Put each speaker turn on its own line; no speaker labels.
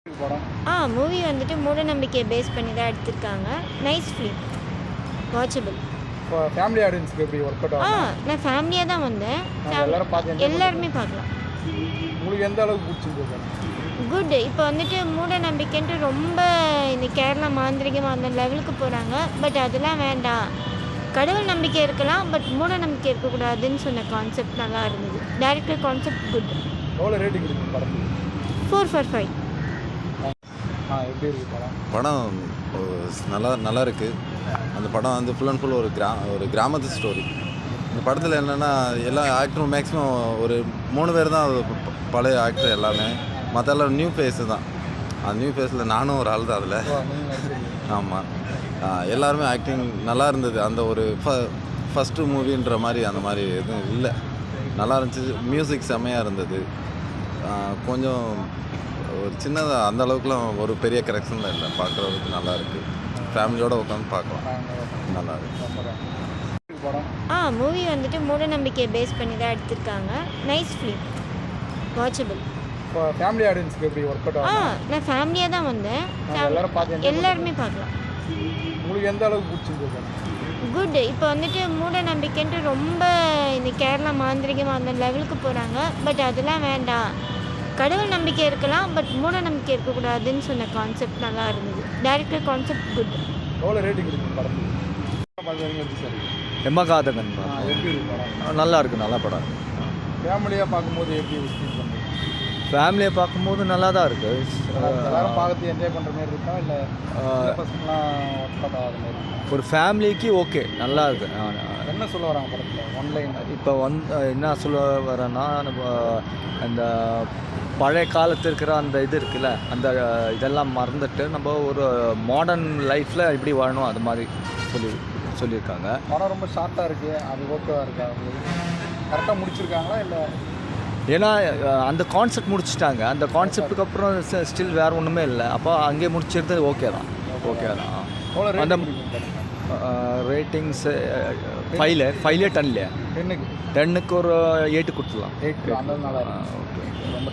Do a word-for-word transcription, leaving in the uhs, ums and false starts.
படம்.
ஆ மூவி வந்துட்டு மூடநம்பிக்கையை பேஸ் பண்ணி தான் எடுத்திருக்காங்க. Nice film, watchable.
இப்போ ஃபேமிலி ஆடியன்ஸ்க்கு எப்படி ஒர்க் அவுட்
ஆ
ஆகும்?
நான் ஃபேமிலியாக தான் வந்தேன்.
நாங்க எல்லாரும் பார்த்து enjoy
எல்லாருமே பார்க்கலாம்.
உங்களுக்கு எந்த அளவுக்கு பிடிச்சிருக்கு?
குட். இப்போ வந்துட்டு மூட நம்பிக்கைன்ட்டு ரொம்ப இந்த கேரளா மாந்திரிகம் அந்த லெவலுக்கு போகிறாங்க. பட் அதெல்லாம் வேண்டாம், கடவுள் நம்பிக்கை இருக்கலாம், பட் மூட நம்பிக்கை இருக்கக்கூடாதுன்னு சொன்ன கான்செப்ட் நல்லா இருந்தது. Director concept good.
எவ்வளோ ரேட்டிங் இருக்குது படத்துக்கு?
Four for five.
ஆ எப்படி இருக்குது படம்?
படம் நல்லா நல்லா இருக்குது. அந்த படம் வந்து ஃபுல் அண்ட் ஃபுல் ஒரு கிரா ஒரு கிராமத்து ஸ்டோரி. இந்த படத்தில் என்னென்னா எல்லா ஆக்டரும் மேக்ஸிமம் ஒரு மூணு பேர் தான் ப- பழைய ஆக்டர் எல்லாமே, மற்ற எல்லாம் நியூ ஃபேஸு தான். அந்த நியூ ஃபேஸில் நானும் ஒரு ஆள் தான் அதில். ஆமாம், எல்லாருமே ஆக்டிங் நல்லா இருந்தது. அந்த ஒரு ஃப ஃபஸ்ட்டு மூவின்ற மாதிரி அந்த மாதிரி எதுவும் இல்லை, நல்லா இருந்துச்சு. மியூசிக் செம்மையாக இருந்தது. ஆ, கொஞ்சம் ஒரு சின்னதாக அந்த அளவுக்குலாம் ஒரு பெரிய கரெக்ஷனில் இல்லை, பார்க்குறதுக்கு நல்லா இருக்குது. ஃபேமிலியோடு உட்காந்து பார்க்கலாம், நல்லா இருக்குது.
படம்.
ஆ மூவி வந்துட்டு மூடநம்பிக்கையை பேஸ் பண்ணி தான் எடுத்திருக்காங்க. Nice film, watchable.
இப்போ ஃபேமிலி ஆடியன்ஸ்க்கு எப்படி ஒர்க் அவுட்
ஆ
ஆகும்?
நான் ஃபேமிலியாக தான் வந்தேன்.
நாங்க எல்லாரும் பார்த்து enjoy
எல்லாருமே பார்க்கலாம்.
உங்களுக்கு எந்த அளவுக்கு பிடிச்சிருக்கு?
குட். இப்போ வந்துட்டு மூட நம்பிக்கைன்ட்டு ரொம்ப இந்த கேரளா மாந்திரிகம் அந்த லெவலுக்கு போகிறாங்க. பட் அதெல்லாம் வேண்டாம், கடவுள் நம்பிக்கை இருக்கலாம், பட் மூட நம்பிக்கை இருக்கக்கூடாதுன்னு சொன்ன கான்செப்ட் நல்லா இருந்தது. Director concept good.
எவ்வளோ ரேட்டிங் இருக்குது படத்துக்கு? பார்க்குறீங்க எப்படி சார்?
எம்மகாதகன்
ஆ எப்படி இருக்குது படம்?
நல்லா இருக்குது, நல்ல படம்.
ஃபேமிலியாக பார்க்கும்போது எப்படி ஃபீல் பண்ணுறீங்க?
ஃபேமிலியை பார்க்கும்போது நல்லா தான் இருக்குது.
எல்லாரும் பார்த்து என்ஜாய் பண்ணுற மாதிரி இருக்கா இல்லை பசங்களாம் ஒர்க் அவுட் ஆகிற மாதிரி இருக்கா?
ஒரு ஃபேமிலிக்கு ஓகே, நல்லா இருக்கு.
என்ன சொல்ல வராங்க படத்தில் ஒன்லைன்?
இப்போ வந்து என்ன சொல்ல வரேன்னா, நம்ம அந்த பழைய காலத்து இருக்கிற அந்த இது இருக்குல்ல, அந்த இதெல்லாம் மறந்துட்டு நம்ம ஒரு மாடர்ன் லைஃப்பில் எப்படி வாழணும் அது மாதிரி சொல்லி சொல்லியிருக்காங்க.
படம் ரொம்ப ஷார்ட்டாக இருக்குது, அது ஓகேவாக இருக்கா? கரெக்டாக முடிச்சிருக்காங்களா இல்லை?
ஏன்னா அஹ், அந்த கான்செப்ட் முடிச்சிட்டாங்க. அந்த கான்செப்டுக்கு அப்புறம் ஸ்டில் வேறு ஒன்றுமே இல்லை. அப்போ அங்கேயே முடிச்சிருந்தது ஓகே தான், ஓகே தான்.
எவ்வளோ
அந்த
ரேட்டிங்?
ரேட்டிங்ஸு ஃபைவ்ல ஃபைவ்லே டென்ல
டென்னுக்கு
டென்னுக்கு ஒரு எயிட்டு கொடுத்துலாம்.
எயிட் அந்த நல்லா இருக்கு.
ஓகே.
ரொம்ப